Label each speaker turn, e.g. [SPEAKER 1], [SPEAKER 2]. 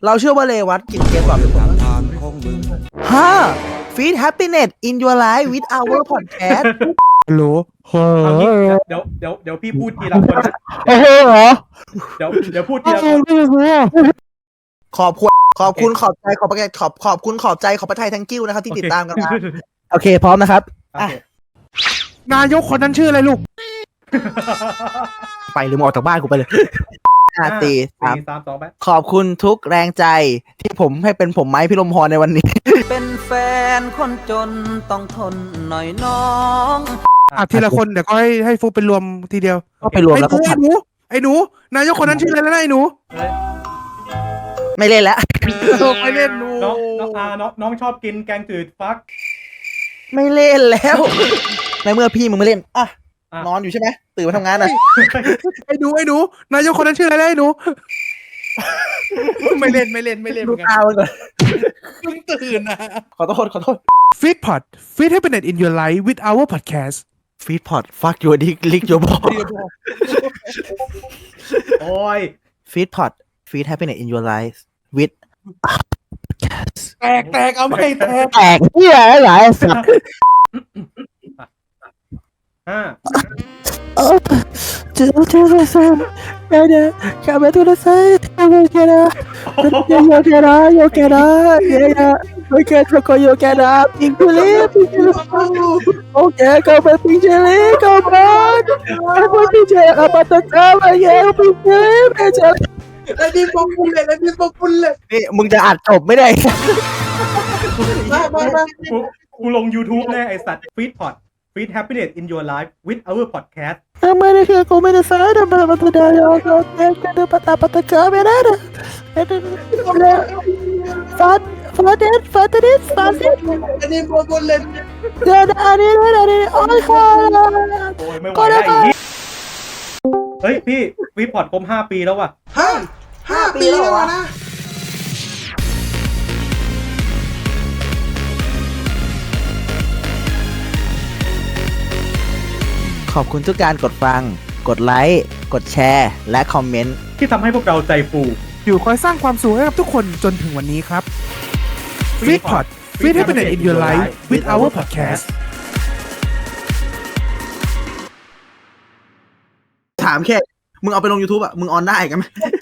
[SPEAKER 1] เราเชื่อว่าเรวัตกินเกมก่อนเป็นคนFeed happiness in your life with our podcast
[SPEAKER 2] ฮัลโหล
[SPEAKER 3] เอางี้เดี๋ยวพี่พูดทีละคนนะ
[SPEAKER 2] โอ้โหเหรอ
[SPEAKER 3] เดี๋ยวพูดทีละคน
[SPEAKER 1] ขอบคุณขอบใจขอบประขอบคุณขอบใจขอบประทายทั้งกิ้วนะครับที่ติดตามกันมาโอเคพร้อมนะครับ
[SPEAKER 3] โอเค
[SPEAKER 2] นายกคนนั้นชื่ออะไรลูก
[SPEAKER 1] ไปหรือมาออกจากบ้านกูไปเลย4 3
[SPEAKER 3] 3 2ไป
[SPEAKER 1] ขอบคุณทุกแรงใจที่ผมให้เป็นผมไม้พิรมพรในวันนี้
[SPEAKER 4] เป็นแฟนคนจนต้องทนหน่อยน้อง
[SPEAKER 2] ทีละคนเดี๋ยวก็ให้ฟุกเป็นรวมทีเดียว
[SPEAKER 1] ก็ไปรวมแล้วก็
[SPEAKER 2] ไอ้หนูนายกคนนั้นชื่ออะไรแล้วนะไอ้หนู
[SPEAKER 1] ไม่เล่นแล้ว
[SPEAKER 2] ไม่เล่นหนู
[SPEAKER 3] น้องชอบกินแกงจืดฟัก
[SPEAKER 1] ไม่เล่นแล้ว ในเมื่อพี่มึงไม่เล่นนอนอยู่ใช่ไหมตื่นมาทำงานนะ
[SPEAKER 2] ไอ้หนูนายกคนนั้นชื่ออะไรแล้วไอ้หนูไม่เล่นเหมื
[SPEAKER 1] ดู
[SPEAKER 2] อนกัน
[SPEAKER 1] ตามันก่อน
[SPEAKER 2] เพิ่งตื่นนะ
[SPEAKER 1] ขอโทษ
[SPEAKER 2] Feedpot Feed Happiness in your life with our podcast
[SPEAKER 1] Feedpot fuck your dick lick your ball
[SPEAKER 3] โอ้ย
[SPEAKER 1] Feedpot feed happiness in your life with
[SPEAKER 2] แตกเอาไม่แตก
[SPEAKER 1] แตกเหี้ยหลายสัตว์
[SPEAKER 3] 5
[SPEAKER 1] Come to the side, yo quiera, pinchele, okay, come pinchele, come on, come pinchele, apata cama, yeah, pinchele,
[SPEAKER 2] แล้วนี่พวกคุณเลย
[SPEAKER 1] นี่มึงจะอัดจบไม่ได้
[SPEAKER 3] กูลง YouTube แน่ไอสัตว์ Feed happiness in your life with our podcast
[SPEAKER 1] Amane que come de sada para matar yo que pata camera. Fat.
[SPEAKER 2] อันนี้พวกคุณเล่น
[SPEAKER 1] Ani.
[SPEAKER 3] โอ้ยไม่ไหวแล้วไอ้เหี้ยเฮ้ยพี่ฟีดพอดครบ5 ปีแล้วว่ะ
[SPEAKER 2] 5 ปีแล้วนะ
[SPEAKER 1] ขอบคุณทุกการกดฟัง กดไลค์ กดแชร์ และคอมเมนต์
[SPEAKER 3] ที่ทำให้พวกเราใจฟู
[SPEAKER 2] อยู่คอยสร้างความสุขให้กับทุกคนจนถึงวันนี้ครับ Feedpot Feed Happiness in your life with our podcast
[SPEAKER 1] ถามแค่ มึงเอาไปลง YouTube อ่ะ มึงออนได้กันไหม